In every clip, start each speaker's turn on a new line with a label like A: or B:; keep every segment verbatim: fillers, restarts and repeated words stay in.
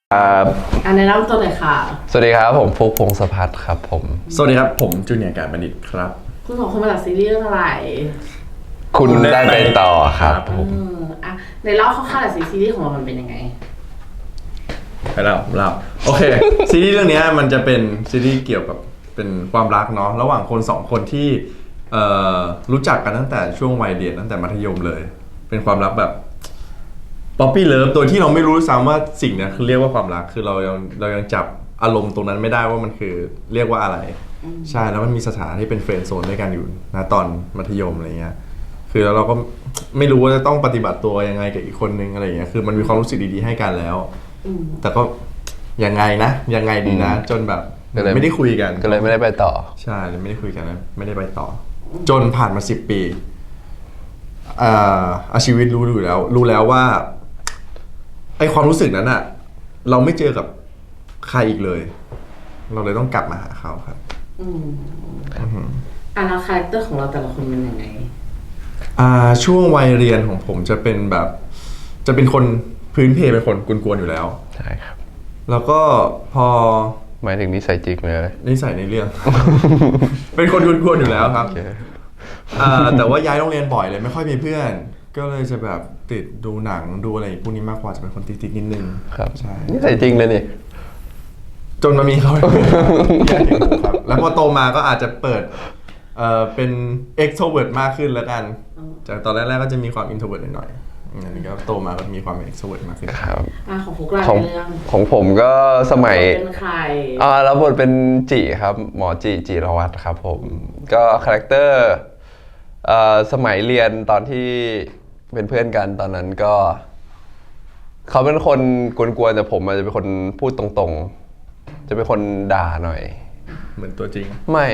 A: ครับ
B: อันแนะนำตัวหน่อยค่ะ
A: สวัสดีครับผมฟุกพงศพัฒน์ครับผม
C: สวัสดีครับผมจูเนียร์การบัณฑิตครับ
B: คุณสองคนมาจากซีรีส์เรื่องอะไร
A: คุณได้ไปต่อครับผม
B: อ่ะในเล่าคร่าวๆหน่อยสิซีรีส์ของเรามันเป็นยังไง
C: ไปแล้วเล่าโอเค ซีรีส์เรื่องนี้มันจะเป็นซีรีส์เกี่ยวกับเป็นความรักเนาะระหว่างคนสองคนที่เอ่อรู้จักกันตั้งแต่ช่วงวัยเรียนตั้งแต่มัธยมเลย เป็นความรักแบบป๊อปปี้เลิฟโดยที่เราไม่รู้ซ้ำว่าสิ่งนี้คือเรียกว่าความรักคือเรายังเรายังจับอารมณ์ตรงนั้นไม่ได้ว่ามันคือเรียกว่าอะไรใช่แล้วมันมีสถานที่เป็นเฟรนด์โซนด้วยกันอยู่นะตอนมัธยมอะไรเงี้ยคือแล้วเราก็ไม่รู้ว่าจะต้องปฏิบัติตัวยังไงกับอีกคนนึงอะไรเงี้ยคือมันมีความรู้สึกดีๆให้กันแล้วแต่ก็ยังไงนะยังไงดีนะจนแบบไม่ได้คุยกัน
A: ก็เลยไม่ได้ไปต่อ
C: ใช่เลยไม่ได้คุยกันนะไม่ได้ไปต่อจนผ่านมาสิบปีอ่าอาชีวิตรู้อยู่แล้วรู้แล้วว่าไอความรู้สึกนั้นอะเราไม่เจอกับใครอีกเลยเราเลยต้องกลับมาหาเขาครับ
B: อืมอ่ะแล้วคาแรคเตอร์ของเราแต่ละคนเป็นยังไง
C: อ่าช่วงวัยเรียนของผมจะเป็นแบบจะเป็นคนพื้นเพเป็นคนกวนๆอยู่แล้ว
A: ใช่ครับ
C: แล้วก็พอ
A: หมายถึงนิสัยจริงเลย
C: นิสัยในเรื่อง เป็นคนกวนๆอยู่แล้วครับ okay. อ่าแต่ว่าย้ายโรงเรียนบ่อยเลยไม่ค่อยมีเพื่อนก็เลยจะแบบติดดูหนังดูอะไรพวกนี้มากกว่าจะเป็นคนติดๆนิดนึง
A: ครับใช่นิสัยจริงเลยนี่
C: จนมามีเขาครับแล้วพอโตมาก็อาจจะเปิดเอ่อเป็น extrovert มากขึ้นแล้วกันจากตอนแรกๆก็จะมีความ introvert หน่อยๆอันนี้ก็โตมาก็มีความ extrovert มากขึ้น
A: ครับ
B: อ่าของฟุกลาเรื่อง
A: ของผมก็สมัย
B: เป็นใคร
A: อ่าแล้วบทเป็นจิครับหมอจิจิรวัตรครับผมก็คาแรคเตอร์เอ่อสมัยเรียนตอนที่เป็นเพื่อนกันตอนนั้นก็เขาเป็นคนกวนๆแต่ผมอาจจะเป็นคนพูดตรงๆจะเป็นคนด่าหน่อย
C: เหมือนตัวจริง
A: ไม่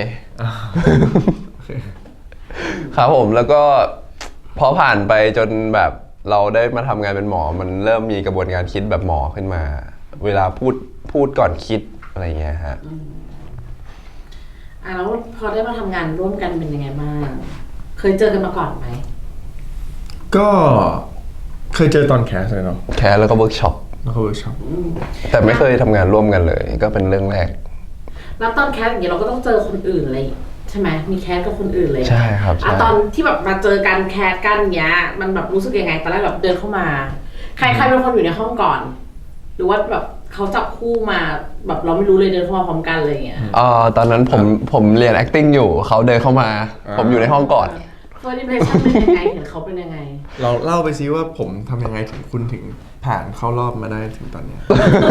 A: ครับผมแล้วก็พอผ่านไปจนแบบเราได้มาทำงานเป็นหมอมันเริ่มมีกระบวนการคิดแบบหมอขึ้นมาเวลาพูดพูดก่อนคิดอะไรเงี้ยฮะ
B: อ่ะแล้วพอได้มาทำงานร่วมกันเป็นยังไงบ้างเคยเจอกันมาก่อนไหม
C: ก็เคยเจอตอนแคสเลยเนาะ
A: แคสแล้วก็เวิร์กช็อป
C: แล้วก็เวิร์กช็อป
A: แต่ไม่เคยทำงานร่วมกันเลยก็เป็นเรื่องแรก
B: แล้วตอนแคสอย่างเงี้ยเราก็ต้องเจอคนอื่นเลยใช่ไหมมีแคสกับคนอื่นเลย
A: ใช่ครับ
B: อ่ะตอนที่แบบมาเจอกันแคสกันเงี้ยมันแบบรู้สึกยังไงตอนแรกแบบเดินเข้ามาใครใครเป็นคนอยู่ในห้องก่อนหรือว่าแบบเขาจับคู่มาแบบเราไม่รู้เลยเดินเข้ามาพร้อมกันเลยเงี้ย
A: อ่าตอนนั้นผมผมเรียน acting อยู่เขาเดินเข้ามาผมอยู่ในห้องก่อน
B: first impression เป็นยังไงเห็นเขาเป็นยังไง
C: เราเล่าไปซิว่าผมทำยังไงถึงคุณถึงผ่านเข้ารอบมาได้ถึงตอนนี้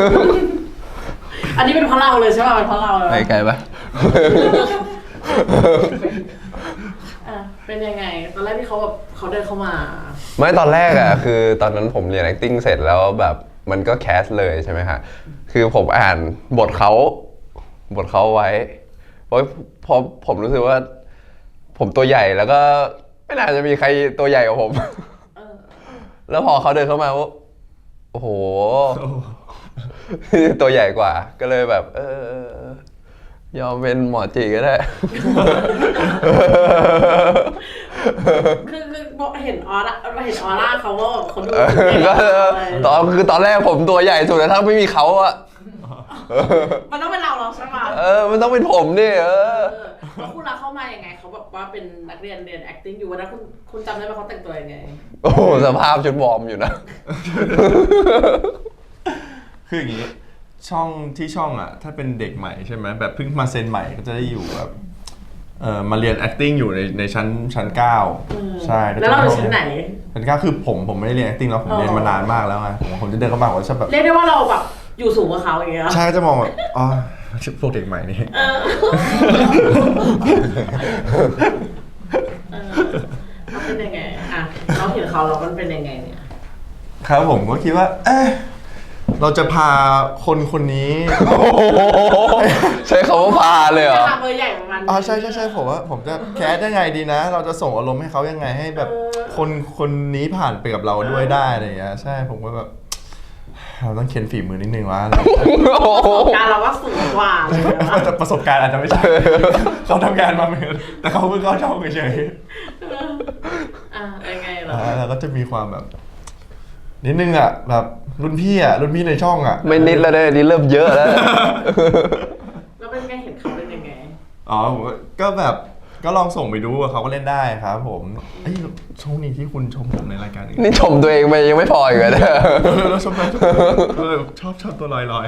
B: อันนี้เป็นเพราะเราเลยใช่ป่ะเป็นเพราะเราเลย
A: ไปไกลปะ
B: เป็นยังไงตอนแรกที่เขาแบบเขาเดินเข้ามา
A: ไม่ตอนแรกอ่ะคือตอนนั้นผมเรียน acting เสร็จแล้วแบบมันก็แคสเลยใช่ไหมฮะคือผมอ่านบทเขาบทเขาไว้เพราะพอผมรู้สึกว่าผมตัวใหญ่แล้วก็ไม่น่าจะมีใครตัวใหญ่กว่าผมแล้วพอเขาเดินเข้ามาว่าโอ้โหตัวใหญ่กว่าก็เลยแบบเออยอมเป็นหมอจีก็ได้
B: คือคือเห็นออร่าเห็นออร่าเขาว่าเขาดู
A: ตอนคือตอนแรกผมตัวใหญ่สุดแต่ถ้าไม่มีเขาอะ
B: มันต้องเป็นเราหรอใช่ไหม
A: เออมันต้องเป็นผมดิเออ
B: แล้วคุณรักเข้ามายังไงเขาแบบว่าเป็นนักเรียนเรียน acting อยู่วันนั้นคุณคุณจำได้ไหมเขาแต่งตัวยังไง
A: โอ้สภาพชุดวอร์มอยู่นะ
C: คืออย่างนี้ช่องที่ช่องอ่ะถ้าเป็นเด็กใหม่ใช่ไหมแบบเพิ่งมาเซ็นใหม่ก็จะได้อยู่แบบเอ่อมาเรียน acting อยู่ในในชั้นชั้นเก้าใช่
B: แล้วเราอยู่ชั้นไหน
C: ชั้นเก้าคือผมผมไม่ได้เรียน acting แล้วผมเรียนมานานมากแล้วไงผมผมจะเดินเข้ามาว่าชอบแบบ
B: เรียกได้ว่าเราแบบอยู่สูงกว่าเขาอย่างเงี้ย
C: ใช่จะมองแบบอ๋อพวกเด็กใหม่นี่
B: เขาเป็นยังไงอ่ะเขาเห็นเขาเราเป็นยังไงเนี่ย
C: ครับผมก็คิดว่าเอ๊ะเราจะพาคนคนนี้
A: ใช้คำว่าพาเลยเหรอ
B: เบอร์ใหญ่ประมาณ
C: อ๋อใช่ใช่ใช่ผมว่าผมจะแคสยังไงดีนะเราจะส่งอารมณ์ให้เขายังไงให้แบบคนคนนี้ผ่านไปกับเราด้วยได้อะไรอย่างเงี้ยใช่ผมก็แบบเราต้องเค้นฝีมือนิดนึงว่า
B: การเราว่าสูงกว่า
C: แต่ประสบการณ์อาจจะไม่ใช่เขาทำงานมาเหมือนแต่เขาเพิ่งเข้าช่องเฉย
B: อ่ายังไงเหรอ
C: แล้วก็จะมีความแบบนิดนึงอ่ะแบบรุ่นพี่อ่ะรุ่นพี่ในช่องอ่ะ
A: ไม่นิดแล้วเนี่ยนี่เริ่มเยอะแล้ว
B: แล้วเป็นไงเห็นเขาเป็นยังไง
C: อ๋อผมก็ก็แบบก็ลองส่งไปดูเขาก็เล่นได้ครับผมเอ้ยช่วงนี้ที่คุณชมผมในรายการอื่น
A: นี่ชมตัวเองไปยังไม่พออีกเลยนะ
C: แล้วชมไปชอบชอบตัวลอยลอย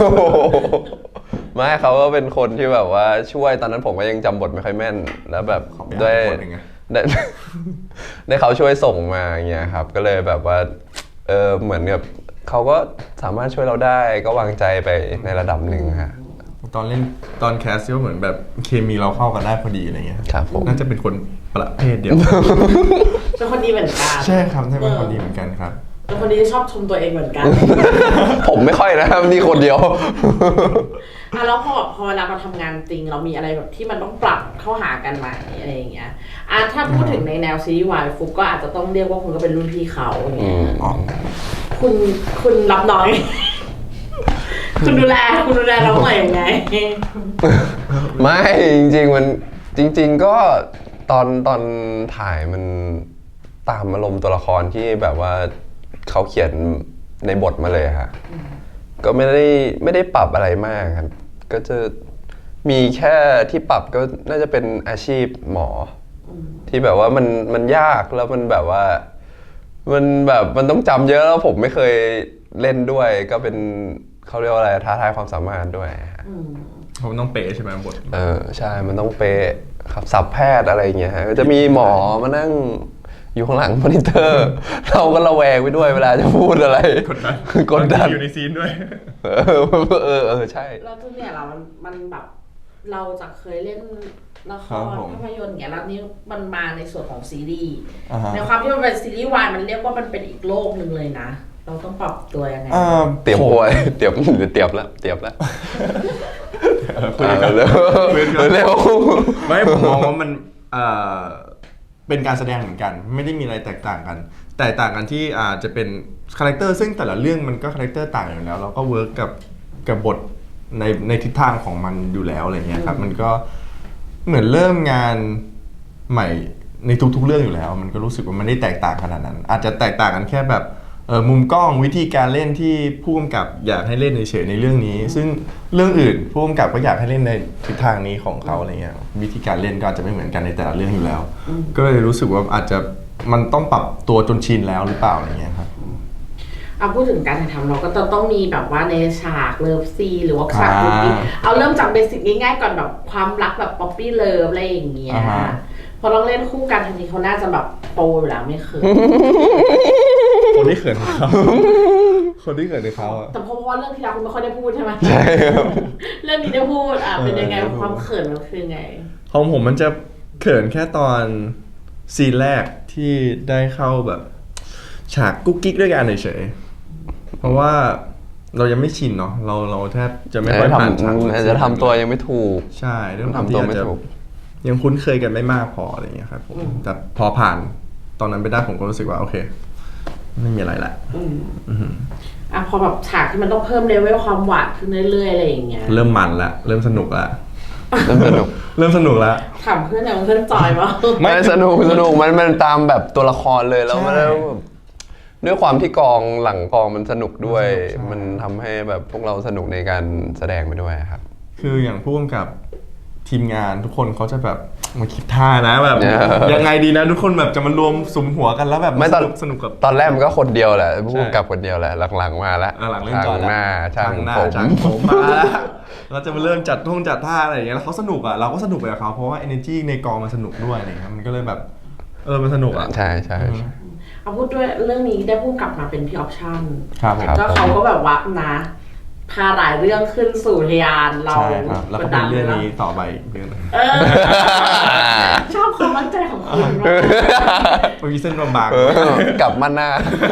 A: ไม่เขาก็เป็นคนที่แบบว่าช่วยตอนนั้นผมก็ยังจำบทไม่ค่อยแม่น แล้วแบบด้วยได้ ได้เขาช่วยส่งมาอย่างเงี้ยครับก็เลยแบบว่าเออเหมือนกับเขาก็สามารถช่วยเราได้ก็วางใจไปในระดับหนึ่งฮะ
C: ตอนเล่นตอนแคสก็เหมือนแบบเคมีเราเข้ากันได้พอดีอะไรเงี้ย
A: ครับผม
C: น่าจะเป็นคนประเภทเดียว
B: เป็นคนดีเหมือนกัน
C: ใช่ครับใช่เป็นคนดีเหมือนกันครับ
B: เป็นคนดีที่ชอบชมตัวเองเหมือนกัน
A: ผมไม่ค่อยนะครับนี่คนเดียว
B: อ่ะแล้วพอพอเวลามาทำงานจริงเรามีอะไรแบบที่มันต้องปรับเข้าหากันไหมอะไรอย่างเงี้ยอ่ะถ้าพูดถึงในแนวซีรีส์วายฟุกก็อาจจะต้องเรียกว่าคุณก็เป็นรุ่นพี่เขาอย่างเงี้ย
C: อ๋อ
B: คุณคุณรับน้อย คุณดูแลคุณดูแลเราหน่อยยังไง
A: ไม่จริงๆมันจริง ๆก็ตอนตอนถ่ายมันตามอารมณ์ตัวละครที่แบบว่าเขาเขียนในบทมาเลยค่ะก็ไม่ได้ไม่ได้ปรับอะไรมากครับก็จะมีแค่ที่ปรับก็น่าจะเป็นอาชีพหมอที่แบบว่ามันมันยากแล้วมันแบบว่ามันแบบมันต้องจำเยอะแล้วผมไม่เคยเล่นด้วยก็เป็นเขาเรียกว่าอะไรท้าทายความสามารถด้วยฮะ
C: ผมต้องเป๊ะใช่ไหมบท
A: เออใช่มันต้องเป๊ะครับสับแพทย์อะไรอย่างเงี้ยฮะก็จะมีหมอมานั่งอยู่ข้างหลังมอนิเตอร์ เราก็ระแวงไปด้วยเวลาจะพูดอะไร
C: กดดัน
A: กดดัน
C: อยู่ในซีนด้วย
A: เออเออเออใช่
B: แล้วทุกเนี่ยเรามันมันแบบเราจะเคยเล่นละค
C: ครั
B: ร
C: บผม
B: ภาพยนตร์อย่างเงี้ยแล้วนี่มันมาในส่วนของซีรีส์
C: อ่าฮะ
B: ในความที่มันเป็นซีรีส์วายมันเรียกว่ามันเป็นอีกโลกหนึ่งเลยนะ เราต้องปรับตัวยังไง
C: อ่า
A: เตรียม
C: ผ
A: ป่วยเตรียมเตรียมแล้วเตรียมแล้ว
C: คุยกัน
A: เร็ว
C: คุยกัน
A: เร็ว
C: ไม่ผมมองว่ามันเอ่อเป็นการแสดงเหมือนกัน ไม่ได้มีอะไรแตกต่างกัน แตกต่างกันที่อาจจะเป็นคาแรคเตอร์ซึ่งแต่ละเรื่องมันก็คาแรคเตอร์ต่างอยู่แล้วเราก็เวิร์กกับกับบทในในทิศทางของมันอยู่แล้วอะไรเงี้ยครับมันก็เหมือนเริ่มงานใหม่ในทุกๆเรื่องอยู่แล้ว มันก็รู้สึกว่ามันไม่ได้แตกต่างขนาดนั้น อาจจะแตกต่างกันแค่แบบเออมุมกล้องวิธีการเล่นที่ผู้กำกับอยากให้เล่นเฉยๆในเรื่องนี้ ซึ่งเรื่องอื่นผู้กำกับก็อยากให้เล่นในทิศทางนี้ของเขาอะไรเงี้ยวิธีการเล่นก็อาจจะไม่เหมือนกันในแต่ละเรื่องอยู่แล้ว ก็เลยรู้สึกว่าอาจจะมันต้องปรับตัวจนชินแล้วหรือเปล่าอะไรเงี้ยครับ
B: เอาพูดถึงการถ่ายทำเราก็จะต้องมีแบบว่าในฉากเลิฟซีนหรือว่าฉาก
C: อ่า
B: คุกกี้เอาเริ่มจากเบสิกง่ายๆก่อนแบบความรักแบบป๊อปปี้เลิฟอะไรอย่างเงี้ย
C: อ่าฮะ
B: พอต้องเล่นคู่กันทันทีเขาน่าจะแบบโปรอยู่แล้วไม่เคย
C: คนที่เขินเขาคนที่เขินเขาอะ
B: แต่เพราะว่าเรื่องที่แล้วคุณไม่ค่อยได้พูดใช่ไหม
A: ใช่ครับ
B: เรื่องนี้ได้พูดอ่ะเป็นยังไง
C: เออ
B: ความเขินมันคือไง
C: ของผมมันจะเขินแค่ตอนซีนแรกที่ได้เข้าแบบ ฉากกุ๊กกิ๊กด้วยกันเฉยๆเพราะว่าเรายังไม่ชินเนาะเราเราแทบจะไม่ค่อยผ่านฉาก
A: อาจจะทำตัวยังไม่ถูก
C: ใช่เรื่อง
A: ทำตัวไม่
C: อาจจะ
A: ถูก
C: ยังคุ้นเคยกันไม่มากพออะไรอย่างเงี้ยครับผมแต่พอผ่านตอนนั้นไปได้ผมก็รู้สึกว่าโอเค ไม่มีอะไรละ
B: อืมอ่ะพอแบบฉากที่มันต้องเพิ่มเลเวลความหวานขึ้นเรื่อยๆอะไรอย่างเงี้ย
C: เริ่มมันละเริ่มสนุกละ
A: เริ่มสนุก
C: เริ่มสนุกละ
B: ถามเพื่อนอย่างเพื่อนจอยมั้ง
A: ไม่สนุกสนุกมันมันตามแบบตัวละครเลยแล้วมันแล้วแบบด้วยความที่กองหลังกองมันสนุกด้วย มันทำให้แบบพวกเราสนุกในการแสดงไปด้วยครับ
C: คืออย่างผู้กำกับทีมงานทุกคนเขาจะแบบมาคิดท่านะแบบ
A: เออ
C: ยังไงดีนะทุกคนแบบจะมารวมสุมหัวกันแล้วแบบ
A: ไม่ตอน
C: สนุกสนุกกับ
A: ตอนแรกมันก็คนเดียวแหละผู้
C: ใช่
A: กำกับคนเดียวแหละหลังๆมาแล้ว
C: อ่ะหลังเล่นจอ
A: ช่างหน้าช่าง
C: หน้า
A: ผม
C: ช่างผมมาแล้วเราจะมาเริ่มจัดท่องจัดท่าอะไรอย่างเงี้ยแล้วเขาสนุกอ่ะเราก็สนุกไปกับเขาเพราะว่า energy ในกองมันสนุกด้วยอะไรเงี้ยมันก็เลยแบบเออมันสนุกอ่ะ
A: ใช่ใช่
C: อืม
A: ใช่
B: เอาพูดด้วยเรื่องนี้ได้พูดกลับมาเป็นพี่ออปชั่น
C: ครับผม
B: ก็เขาก็แบบว่านะพาหลายเรื่องขึ้นสู่ทะยานเรา
C: ใช่ครับแล้วก็เป็นเรื่องนี้ต่อไปอีกเรื่องหนึง
B: เออชอบความมั่นใจของคุณมาก
C: มันมีเส้นบาง
A: เออกลับมาหน้า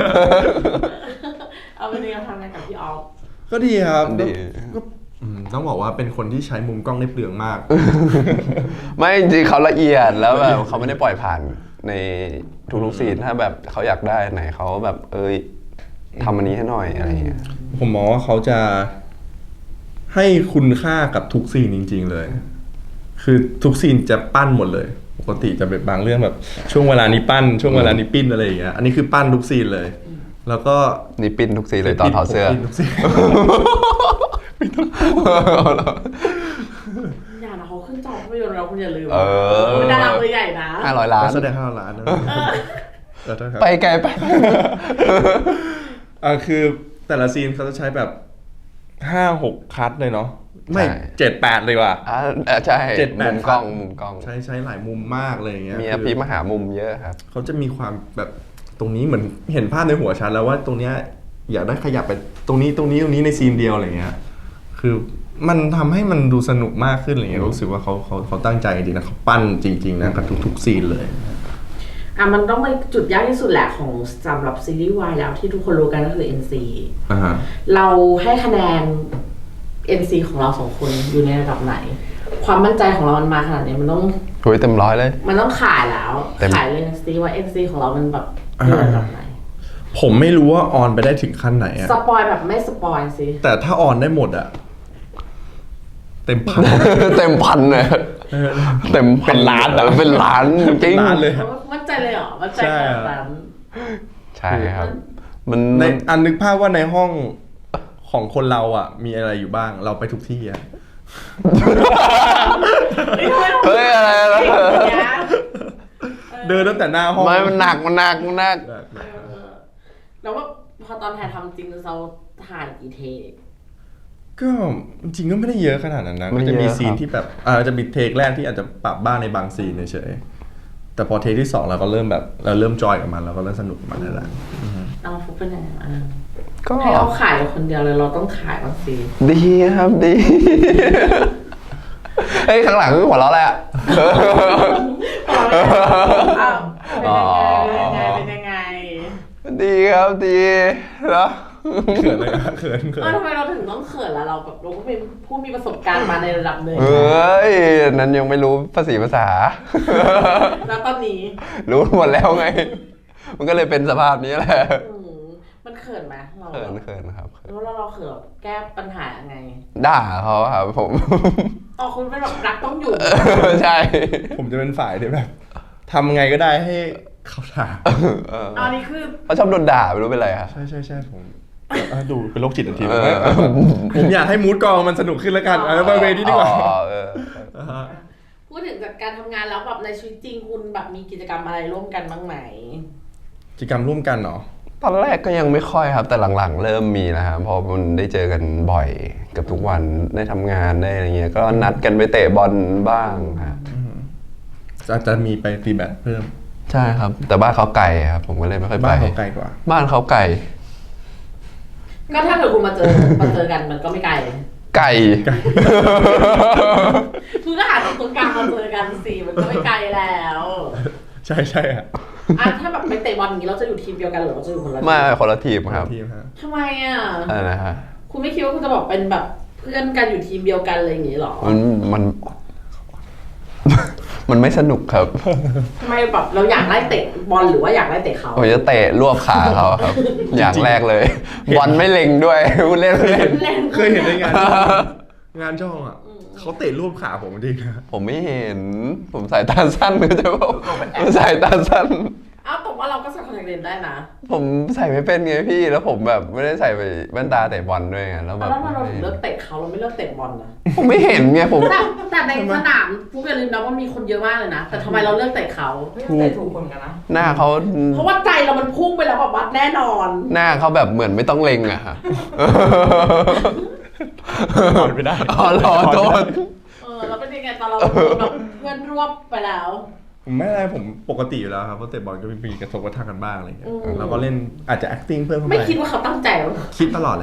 B: เอาเป็นยังไงทำงานกับพี่ออฟ
C: ๆก็ดีครับ
A: ดี
C: ก็อืมต้องบอกว่าเป็นคนที่ใช้มุมกล้องได้เปลืองมาก
A: ไม่จริงๆเขาละเอียดแล้วแบบเขาไม่ได้ปล่อยผ่านในทุกๆซีนถ้าแบบเขาอยากได้ไหนเขาแบบเอ้ยทำอันนี้ให้หน่อยอะไรอย่างเงี้ย
C: ผมมองว่าเขาจะให้คุณค่ากับทุกซีนจริง ๆ เลย คือทุกซีนจะปั้นหมดเลย ปกติจะเป็นบางเรื่องแบบช่วงเวลานี้ปั้น ช่วงเวลานี้ปิ้นอะไรอย่างเงี้ย อันนี้คือปั้นทุกซีนเลยแล้วก็
A: นี่ปิ้นทุกซีนเลยตอนถอดเสื้อ
C: ปิ้นทุกซีน
B: อย่านะเขาขึ้นจอภาพยนตร์เราคุณอย่าลืม
A: เออ
B: เป็นดาราตัวใหญ่นะ
A: ห้าร้อยล้าน
C: แสดงห้าล้านนะเออโทษครับ
A: ไปไกลไป
C: อ่าคือแต่ละซีนเขาจะใช้แบบห้าหกคัทเลยเนาะไม่
A: ใช่
C: เจ็ดแปดเลยว่ะ
A: อ่าเออใช่
C: เจ็ดแป
A: มุ
C: ด
A: มกล้องมุมกล้อง
C: ใช้ใช้หลายมุมมากเลยอย่างเงี้ย
A: มี
C: คือ
A: อภิมหามุมเยอะครับ
C: เขาจะมีความแบบตรงนี้เหมือนเห็นภาพในหัวฉันแล้วว่าตรงเนี้ยอยากได้ขยับไปตรงนี้ตรงนี้ตรงนี้ในซีนเดียวอะไรเงี้ยคือมันทำให้มันดูสนุกมากขึ้นอะไรเงี้ยรู้สึกว่าเขาเขาเขาตั้งใจจริงๆนะเขาปั้นจริงๆนะกับทุกๆซีนเลย
B: อ่ะมันต้องเป็นจุดยากที่สุดแหละของสำหรับซีรีส์วายแล้วที่ทุกคนรู้กันก็คือ เอ็น ซี
C: อ่าฮะ
B: เราให้คะแนน เอ็น ซี ของเราสองคนอยู่ในระดับไหน ความมั่นใจของเรามันมาขนาดนี้มันต้อง
A: คุยเต็มร้อยเลย
B: มันต้องขายแล้ว
A: เต็ม
B: ขายเลยนะซีว่า เอ็น ซี ของเรามันแบบอยู่ในระดับไหน
C: ผมไม่รู้ว่าออนไปได้ถึงขั้นไหนอะ
B: สปอยแบบไม่สปอยสิ
C: แต่ถ้าออนได้หมดอะเต็มพัน
A: เต็มพันเลยเต็มพั
C: เป็นล้านอะ
A: เป็นล้านจริง
C: ล้านเลย
B: มั่นใจเลยเหรอ มั่นใจขนาดนั้น
A: ใช่ครับ มัน
C: ในอันนึกภาพว่าในห้องของคนเราอ่ะ มีอะไรอยู่บ้างเราไปทุกที่อ่ะ
A: เฮ้ยอะไรอะไร
C: เดินตั้งแต่หน้าห้อง
A: ไม่มันหนักมันหนักมันหนัก
B: แล้วว่าพอตอนถ่ายทำจริงเราถ่ายกี่เทค
C: ก็จริงๆก็ไม่ได้เยอะขนาดนั้นนะ
A: ไม่
C: ก็
A: เยอะ
C: จะมีซีน
A: ครับ
C: ที่แบบอ่าจะมีเทคแรกที่อาจจะปรับบ้างในบางซีนเฉยๆแต่พอเทคที่สองเราก็เริ่มแบบเราเริ่มจอยกับมันเราก็เริ่มสนุกกับมันแล้วแหละ
B: เอาฟุกเป็นยังไงบ้าง
A: ก็
B: ให้เราขายคนเดียวเลยเราต้องขายบางซี
A: ดีครับดี เฮ้ยข้างหลังหัวเราะแหละ
B: อ้าวเป็นยังไงเป็นยังไง
A: ดีครับดีแล้ว
C: เขินเลยอะเขินเขิ
B: เออน ทำไมเราถึงต้องเขินล่ะเราแบบเราก็เป็นผู้มีประสบการณ์มาในระดับหนึ่ง
A: เอ้ยนั้นยังไม่รู้ภาษีภาษา
B: แล้วตอนนี้
A: รู้หมดแล้วไง มันก็เลยเป็นสภาพนี้แหละ
B: อืมมันเขินไหมเรา
A: เขินเขินครับเขิน
B: แล้วเราเราเขินแก้ปัญหายังไง
A: ด่าเขาครับผม
B: อ๋อคุณเป็นแบบรักต้องอยู่
A: ใช่
C: ผมจะเป็นฝ่ายที่แบบทำไงก็ได้ให้เขาด่า
A: เออ
B: อันนี้คือ
A: เขาชอบโดนด่าไม่รู้เป็นไรครับ
C: ใช่ใช่ใช่ผมอ่ะดูเป็นโรคจิตทันทีเลยนะผมอยากให้มูดกองมันสนุกขึ้นแล้วกันเอาไปเวนี้ดีกว่า
A: อ๋อเออ
C: อ่าฮะ
B: พูดถึงจากการทำงานแล้วแบบในชีวิตจริงคุณแบบมีกิจกรรมอะไรร่วมกันบ้างไหม
C: กิจกรรมร่วมกันเนาะ
A: ตอนแรกก็ยังไม่ค่อยครับ แต่หลังๆ เริ่มมีนะครับเพอมันได้เจอกันบ่อยเกับทุกวันได้ทำงานได้อะไรเงี้ยก็นัดกันไปเตะบอลบ้างครับ
C: จะจะมีไปตีแบดเพิ่ม
A: ใช่ครับ แต่บ้านเขาไกลครับ ผมก็เลยไม่ค่อยไป
C: บ้านเขาไกลกว่า
A: บ้านเขาไกล
B: ก็ถ้าเกิดคุณมาเจอมาเจอกันมันก็ไม่ไกล
A: ไก่
B: คือก็หาตรงตรงกลางมาเจอกันสิมันก็ไม่ไกลแล้ว
C: ใช่ใช่อ่ะ
B: อ่ะถ้าแบบไปเตะบอลอย่างนี้เราจะอยู่ทีมเดียวกันหรือเราจะอยู่คนละที
A: มาคนละทีมครับ
C: ทีมฮะ
B: ทำไมอ่ะ
A: อะไรนะฮะ
B: คุณไม่คิดว่าคุณจะบอกเป็นแบบเพื่อนกันอยู่ทีมเดียวกันอะไรอย่างนี้หรอ
A: มันมัน มันไม่สนุกครับ
B: ทำไมแบบเราอยากไล่เตะบอลหรือว่าอยากไล่เตะเขา
A: ผมจะเตะรวบขาเขาครับ อย่างแรกเลย บอลไม่เล็งด้วย พูดเล่นเล่น
B: เล่น
C: เคยเห็นในงาน งานช่องอ่ะเขาเตะรูปขาผมจริงนะ
A: ผมไม่เห็น ผมสายตาสั้นหรือจะบอกผมสายตาสั้น
B: เอ้าแต่ว่าเราก็ใส่คอนแทคเลนส์ได้นะ
A: ผมใส่ไม่เป็นไงพี่ แล้วผมแบบไม่ได้ใส่ไปแว่นตาเตะบอลด้วยไงแล้วแบ
B: แล้
A: บ
B: วทำไมเราถึงเลือกเตะเขาเราไม่เลือกเตะบอลนะ
A: ผมไม่เห็นไงผม
B: แต่แต่ในสนามฟุกอย่าลืมนะว่ามีคนเยอะมากเลยนะ แต่ทำไมเราเลือกเตะเขา
D: เตะถูกคนกันนะ
A: หน้าเขา
B: เพราะว่าใจเรามันพุ่งไปแล้วแบบวัดแน่นอน
A: หน้าเขาแบบเหมือนไม่ต้องเล็งอะค่ะ
C: ถอนไม่ได้
A: อ๋อรอโทษ
B: เออแล้วเป็นยังไงตอนเราแบบเพื่อนรวบไปแล้ว
C: ผมไม่อะไรผมปกติอยู่แล้วครับเพราะเตะบอลก็มีกระทบกระทั่งกันบ้างอะไรอย่างเงี้ย
B: อืม
C: เราก็เล่นอาจจะ acting เพิ่มเข้าไป
B: ไม่คิดว่าเขาตั้งใจหรอก
C: คิดตลอดเลย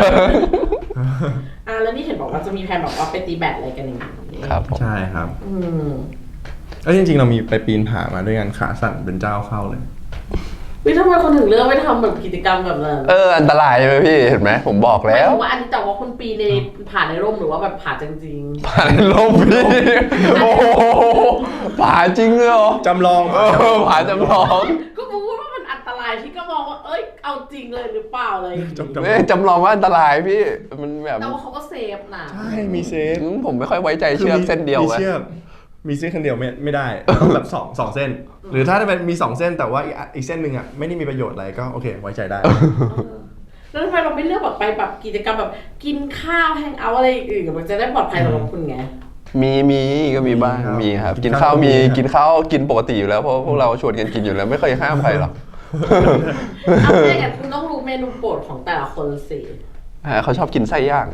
B: อ่ะแล้วนี่เห็นบอกว่าจะมีแผนบอกว่าไปตีแบดอะไรกันอย่างนี้
A: ครับผม
C: ใช่ครับ
B: อืม
C: เอ้ยจริงๆ เรามีไปปีนผามาด้วยกันขาสั่นเป็นเจ้าเข้าเลย
B: วิทำไมคนถึงเลือกไม่ทำแบบกิจกรรมแบบนั้น
A: เอออันตรายใช่ไหมพี่เห็นไหมผมบอก
B: หมาย
A: แล้ว
B: ถึงว่าอันนี้แต่ว่าคนปีในผ่านในร่มหรือว่าแบบผ่าจริง
A: ผ่านลมพี่โอ้โหผ่าจริงเลยเหรอ
C: จำลอง
A: เออผ่าจำลอง
B: ๆก็พูดว่ามันอันตรายพี่ก็มองว่าเอ้ยเอาจริงเลยหรือเปล่าเลย
C: จำจำล
A: เอ้
C: อย ง
A: จำลองว่าอันตรายพี่มันแบบ
B: แต่ว่าเขาก็เซฟนะ
C: ใช่มีเซฟ
A: ผมไม่ค่อยไว้ใจเชือกเส้นเดียว
C: มี
A: ไง
C: เชือกมีเส้นคนเดียวไม่ไม่ได้ต้องแบบสองสองเส้น หรือถ้าจะเป็นมีสองเส้นแต่ว่าอีกอีกเส้นหนึ่งอ่ะไม่ได้มีประโยชน์อะไรก็โอเคไว้ใจได้
B: เออแล้วทำไมเราไม่เลือกแบบไปแบบกิจกรรมแบบกินข้าวแฮงเอาท์อะไรอื่นๆมันจะได้ปลอดภัยสำหรับคุณไง
A: มีมีก็มีบ้าง
C: ครับ
A: มีครับ
C: กิ
A: กิ
C: น
A: น
C: ข้า
A: ข้าว ว
C: มี
A: มี
C: ครับ
A: กินข้าวกินปกติอยู่แล้วเพราะพวกเราชวนกันกินอยู่แล้วไม่เคยห้ามใครหรอก
B: เอาไม่งั้นคุณต้องรู้เมนูโปรดของแต่ละคนสิ
A: อ่าเขาชอบกินไส้ย่าง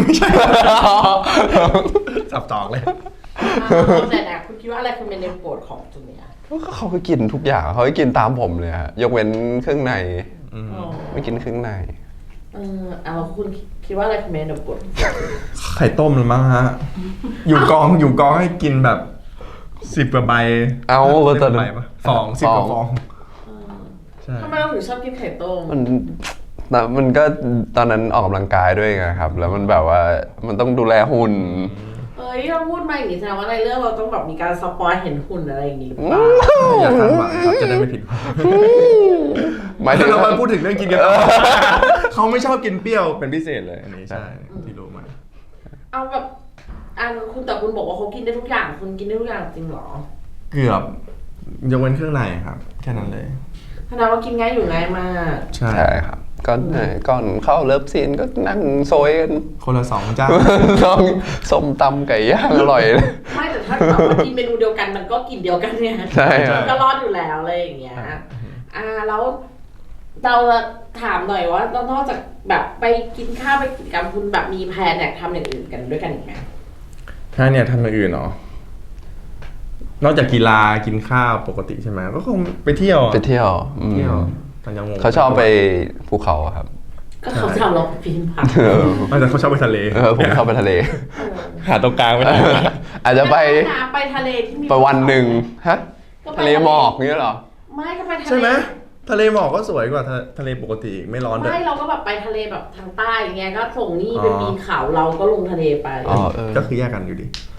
C: สับตอกเลย
B: เอาแต่นะคุณคิดว่าอะไรคือเมนูโปรดของจูเนียร์
A: ก็เขาก็กินทุกอย่างเขาก็กินตามผมเลยฮะยกเว้นเครื่องใน
C: อืม
B: อ๋อ
A: ไม่กินเครื่องใน
B: เออเอาคุณคิดว่าอะไรคือเมนูโปรด
C: ไข่ต้มหรือมั้งฮะ อยู่กองอยู่กองให้กินแบบสิบกว่าใบ
A: เอา
C: ก็
A: ตอนนั้น
C: ใบปะฟองสิบกว่าฟอง
B: เออ
C: ใช่
B: ทำไมเราถึงชอบกินไข่ต้ม
A: มันแต่มันก็ตอนนั้นออกกำลังกายด้วยไงครับ แล้วมันแบบว่ามันต้องดูแลหุ่น
B: เอ้ยเราพูดมาอย่างนี้แสดงว่าในเรื่องเราต้องแบบมีการสปอยเห็นหุ่นอะไรอย่างนี้หรือเปล่า
C: อย่าคาดหวังครับจะได้ไม่ผิดหวัง
A: หมายถึง
C: เรามาพูดถึงเรื่องกินกันต่อเขาไม่ชอบกินเปรี้ยวเป็นพิเศษเลยอันนี้ใช่ที่รู้มา
B: เอาแบบอันคุณแต่คุณบอกว่าเขากินได้ทุกอย่างคุณกินได้ทุกอย่างจริงเหรอ
C: เกือบยกเว้นเครื่องในครับแค่นั้นเลย
B: แสดงว่ากินง่ายอยู่ง่ายมาก
C: ใช่
A: ใช่ครับก็เนี่ยก่อนเข้าเลิฟซีนก็นั่งโซยกัน
C: คนละสองเจ้า
A: ต้องส้มตำไก่ย่างอร่อยเลย
B: ไม่แต่ถ้าแบบว่ากินเมนูเดียวกันมันก็กินเดียวกันเนี่ย
A: ใช่ครับ
B: ก็รอดอยู่แล้วอะไรอย่างเงี้ยอ่าแล้วเราถามหน่อยว่านอกจากแบบไปกินข้าวไปกิจกรรมคุณแบบมีแพลนอยากทำอย่างอื่นกันด้วยกันอีกไหม
C: ถ้าเนี่ยทำอย่างอื่นเนาะนอกจากกีฬากินข้าวปกติใช่ไหมก็คงไปเที่ยวอะ
A: ไปเที่ยวอืม
C: เที่ยวต่างจังหวัด
A: เขาชอบไปภูเขาอะครับ
B: ก็เขาทำเราปีนผา
A: เออ
C: ไม่แต่เขาชอบไปทะเล
A: เออผมชอบไปทะเล
C: หาตรงกลางไม่ได้
A: อาจจะไป
B: ไปทะเลที่มี
A: ไปวันหนึ่งฮะ
B: ก็ไป
A: ทะเลหมอกเงี้ยเหรอ
B: ไม่ก็ไปทะเล
C: ใช่ไหมทะเลหมอกก็สวยกว่าทะทะเลปกติอีกไม่ร้อนด้วย
B: ไม่เราก็แบบไปทะเลแบบทางใต้อย่างเงี้ยก็ส่งนี่ไปปีนเขาเราก็ลงทะเลไป
A: อ๋อเออ
C: ก็คือแยกกันอยู่ดี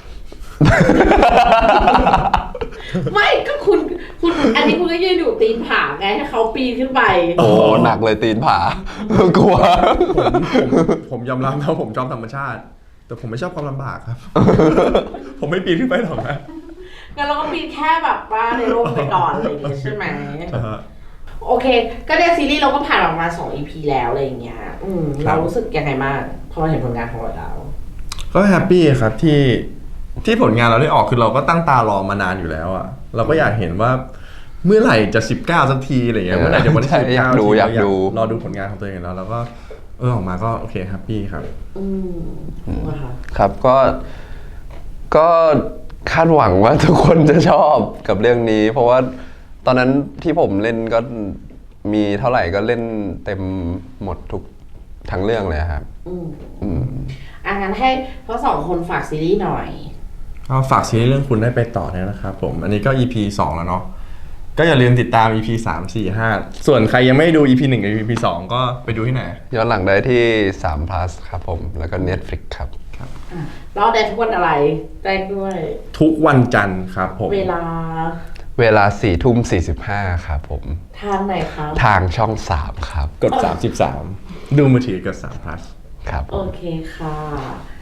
B: ไม่ก็คุณคุณอันนี้คุณก็ยืนอยู่ตีนผาไงให้เขาปีนขึ้นไป
A: โอ้หนักเลยตีนผา กลัว
C: ผมผมผมยอมรับนะผมชอบธรรมชาติ แต่ผมไม่ชอบความลำบากครับ ผมไม่ปีนขึ้นไปหรอกนะ
B: งั้นเราก็ปีนแค่แบบว่าในร่มไปก่อนอะไรอย่างเงี้ยใช่ไหม
C: อ่าฮะ
B: โอเค ก็ในซีรีส์เราก็ผ่านออกมาสอง อี พี แล้วอะไรอย่างเงี้ยอืม
C: ครั
B: เรา
C: บ
B: รู้สึกยังไงบ้างพอเราเห็นผลงานของเราแล้ว
C: ก็แฮปปี้ครับที่ที่ผลงานเราได้ออกคือเราก็ตั้งตารอมานานอยู่แล้วอ่ะเราก็อยากเห็นว่าเมื่อไหร่จะสิบเก้าสักทีอะไรเงี้ย
A: เออ
C: เมื่อไหร่จะวันที่
A: ใช่
C: สิบ
A: อยา
C: เก้าก
A: ดู
C: ที
A: อยากดู
C: รอดูผลงานของตัวเองแล้วแล้วก็เออออกมาก็โอเคแฮปปี้ครับ
B: อืมว่าค่ะ
A: ครับก็ก็คาดหวังว่าทุกคนจะชอบกับเรื่องนี้ เพราะว่าตอนนั้นที่ผมเล่นก็มีเท่าไหร่ก็เล่นเต็มหมดทุกทั้งเรื่องเลยครับ
B: อืม
A: อืม
B: อ่ะงั้นให้ทั้งสองคนฝากซีรีส์หน่อย
C: ก็ฝากซีรีส์เรื่องคุณได้ไปต่อเนี่ยนะครับผมอันนี้ก็ อี พี สองแล้วเนาะก็อย่าลืมติดตาม อี พี สาม สี่ ห้าส่วนใครยังไม่ดู อี พี หนึ่งกับ อี พี สองก็ไปดูที่ไหน
A: ย้อนหลังได้ที่สาม plus ครับผม แล้วก็ Netflix ครับ
B: อ่ะเราได้ทุกวันอะไรแจ้งด้วย
C: ทุกวันจันทร์ครับผม
B: เวลา
A: เวลาสี่ทุ่มสี่สิบห้าครับผม
B: ทางไหนครับ
A: ทางช่องสามครับ
C: กด สามสิบสาม ดูมือถือกับสาม plus
A: ครับผ
B: โอ
A: ม
B: เคค่ะ